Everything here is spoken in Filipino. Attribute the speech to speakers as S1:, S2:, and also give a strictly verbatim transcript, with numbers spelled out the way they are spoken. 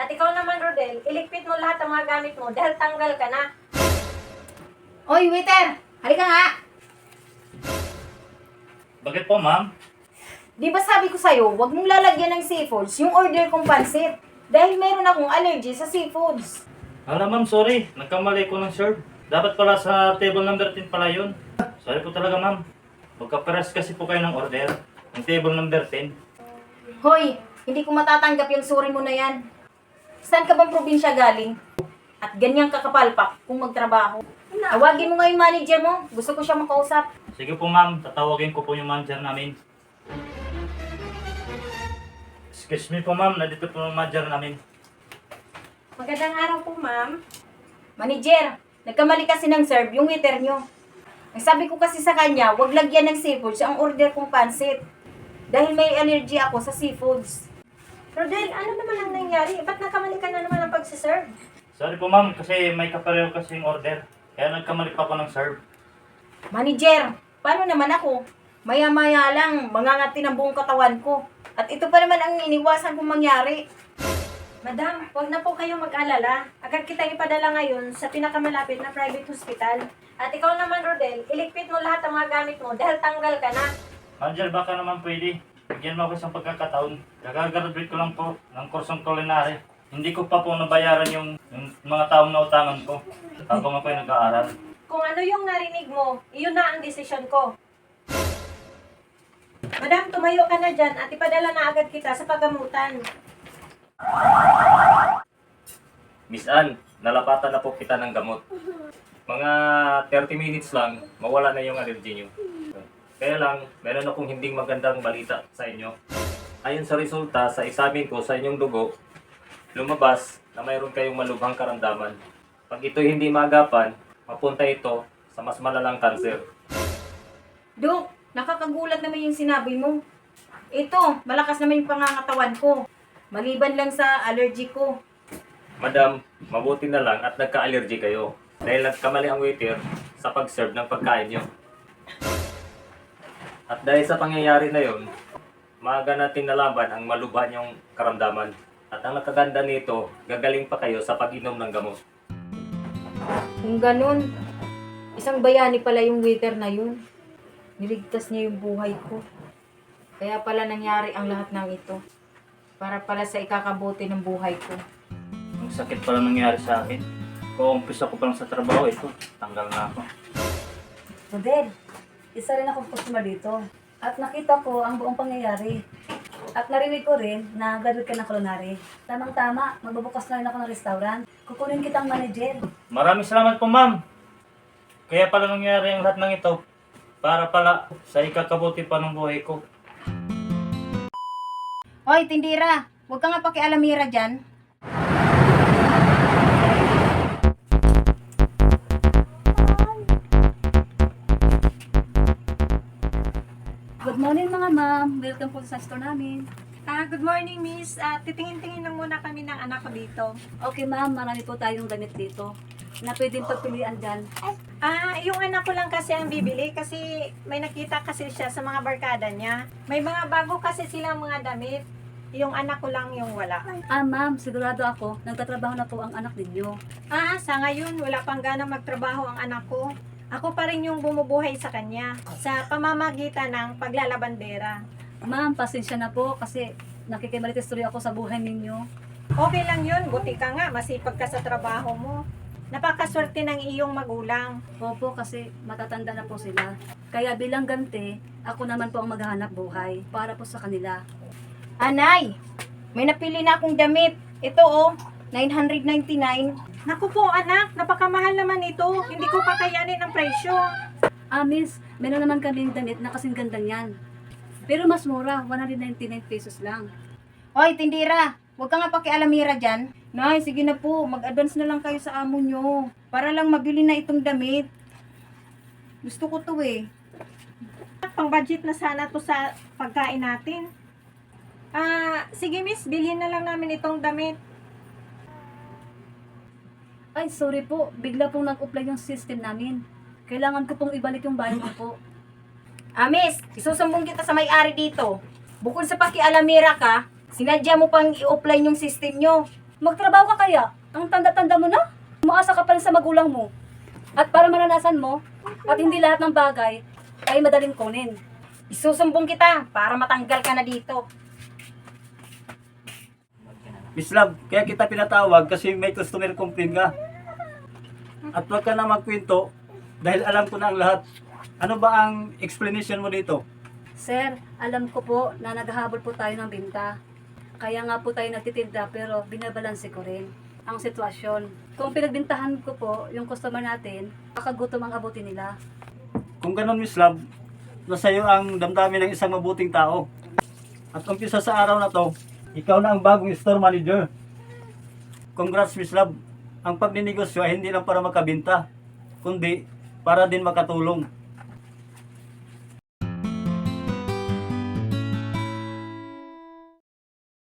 S1: At ikaw naman, Rodel, iligpit mo lahat ng mga gamit mo dahil tanggal ka na.
S2: Oy, waiter! Halika nga!
S3: Bakit po, ma'am?
S2: Di ba sabi ko sa'yo, huwag mong lalagyan ng seafoods yung order kong pansit. Dahil meron akong allergy sa seafoods.
S3: Hala, ma'am, sorry. Nagkamali ko ng serve. Dapat pala sa table number ten pala yun. Sorry po talaga, ma'am. Magkapares kasi po kayo ng order. Ang table number ten.
S2: Hoy, hindi ko matatanggap yung sorry mo na yan. Saan ka bang probinsya galing? At ganyang kakapalpak kung magtrabaho. Tawagin mo nga yung manager mo. Gusto ko siya makausap.
S3: Sige po, ma'am. Tatawagin ko po yung manager namin. Excuse me po, ma'am. Nandito po yung manager namin.
S1: Magandang araw po, ma'am.
S2: Manager, nagkamali kasi ng serve yung waiter nyo. Ang sabi ko kasi sa kanya, huwag lagyan ng seafoods ang order kong pansit. Dahil may allergy ako sa seafoods.
S1: Rodel, ano naman ang nangyari? Ba't nakamali ka na naman ang pagsiserve?
S3: Sorry po, ma'am. Kasi may kapareho kasi yung order. Kaya nagkamali pa ako ng serve.
S2: Manager, paano naman ako? Maya-maya lang, mangangati ng buong katawan ko. At ito pa naman ang iniwasan kong mangyari.
S1: Madam, huwag na po kayong mag-alala. Agad kita ipadala ngayon sa pinakamalapit na private hospital. At ikaw naman, Rodel, iligpit mo lahat ng mga gamit mo dahil tanggal ka na.
S3: Manager, baka naman pwede. Bigyan mo ako isang pagkakataon. Kagagraduate ko lang po ng kursong culinary. Hindi ko pa po nabayaran yung, yung mga taong nautangan ko habang ako ay nag-aaral.
S1: Kung ano yung narinig mo, iyon na ang desisyon ko. Madam, tumayo ka na dyan at ipadala na agad kita sa paggamutan.
S4: Miss Ann, nalapatan na po kita ng gamot. Mga thirty minutes lang, mawala na yung allergy nyo. Kaya lang, meron akong hindi magandang balita sa inyo. Ayon sa resulta sa examen ko sa inyong dugo, lumabas na mayroon kayong malubhang karamdaman. Pag ito hindi maagapan, mapunta ito sa mas malalang kanser.
S2: Dok, nakakagulat naman yung sinabi mo. Ito, malakas naman yung pangangatawan ko. Maliban lang sa allergy ko.
S4: Madam, mabuti na lang at nagka-allergy kayo dahil nagkamali ang waiter sa pag-serve ng pagkain nyo. At dahil sa pangyayari na yon, maaga natin nalaman ang malubha niyong karamdaman. At ang nakaganda nito, gagaling pa kayo sa pag-inom ng gamot.
S2: Kung ganun, isang bayani pala yung waiter na yun. Niligtas niya yung buhay ko. Kaya pala nangyari ang lahat ng ito. Para pala sa ikakabuti ng buhay ko.
S3: Ang sakit pala nangyari sa akin. Kung umpisa ko pa lang sa trabaho, ito, tanggal na ako.
S5: Rodel, isa rin akong customer dito. At nakita ko ang buong pangyayari. At narinig ko rin na graduate ka ng culinary. Tamang-tama, magbubukas na rin ako ng restaurant. Kukunin kitang manager.
S3: Maraming salamat po, ma'am. Kaya pala nangyari ang lahat ng ito. Para pala sa ikakabuti pa ng buhay ko.
S2: Hoy, tindira! Huwag ka nga pakialamira dyan.
S5: Good morning mga ma'am. Welcome po sa store namin.
S1: Ah, good morning, miss. Ah, titingin-tingin lang muna kami ng anak ko dito.
S5: Okay ma'am, marami po tayong damit dito na pwedeng pagpilian dyan.
S1: Ah, yung anak ko lang kasi ang bibili kasi may nakita kasi siya sa mga barkada niya. May mga bago kasi silang mga damit. Yung anak ko lang yung wala.
S5: Ah ma'am, sigurado ako, nagtatrabaho na po ang anak ninyo.
S1: Ah, sa ngayon, wala pang gana magtrabaho ang anak ko. Ako pa rin yung bumubuhay sa kanya sa pamamagitan ng paglalabandera.
S5: Ma'am, pasensya na po kasi nakikimalitis tuloy ako sa buhay ninyo.
S1: Okay lang yun, buti ka nga, masipag ka sa trabaho mo. Napakaswerte ng iyong magulang.
S5: Opo, kasi matatanda na po sila. Kaya bilang ganti, ako naman po ang maghahanap buhay para po sa kanila.
S2: Anay, may napili na akong damit. Ito oh, nine ninety-nine.
S1: Naku po anak, napakamahal naman ito. Hindi ko kakayanin ang presyo.
S5: Ah, miss, meron naman kaming damit na kasing ganda niyan. Pero mas mura, one hundred ninety-nine pesos lang.
S2: Hoy, tindira! Huwag ka nga pakialamira dyan. Nay, sige na po, mag-advance na lang kayo sa amo nyo. Para lang mabili na itong damit. Gusto ko to eh.
S1: Pang budget na sana to sa pagkain natin. Ah, sige miss, bilhin na lang namin itong damit.
S5: Ay, sorry po, bigla pong nag-apply yung system namin. Kailangan ko pong ibalik yung bayad ko po.
S2: Ah, miss, isusumbong kita sa may-ari dito. Bukod sa pakialamira ka, sinadya mo pang i-offline yung system nyo.
S5: Magtrabaho ka kaya? Ang tanda-tanda mo na? Umaasa ka pa rin sa magulang mo. At para maranasan mo, at hindi lahat ng bagay ay madaling kunin.
S1: Isusumbong kita para matanggal ka na dito.
S6: Miss Love, kaya kita pinatawag kasi may customer complaint ka. At wag ka na magkwento dahil alam ko na ang lahat. Ano ba ang explanation mo dito?
S5: Sir, alam ko po na naghahabol po tayo ng binta. Kaya nga po tayo nagtitinda pero binabalanse ko rin ang sitwasyon. Kung pinagbintahan ko po yung customer natin, kakagutom ang abuti nila.
S6: Kung ganun, Miss Love, nasa iyo ang damdamin ng isang mabuting tao. At umpisa sa araw na to, ikaw na ang bagong store manager. Congrats, Miss Love. Ang pagninegosyo ay hindi lang para makabinta, kundi para din makatulong.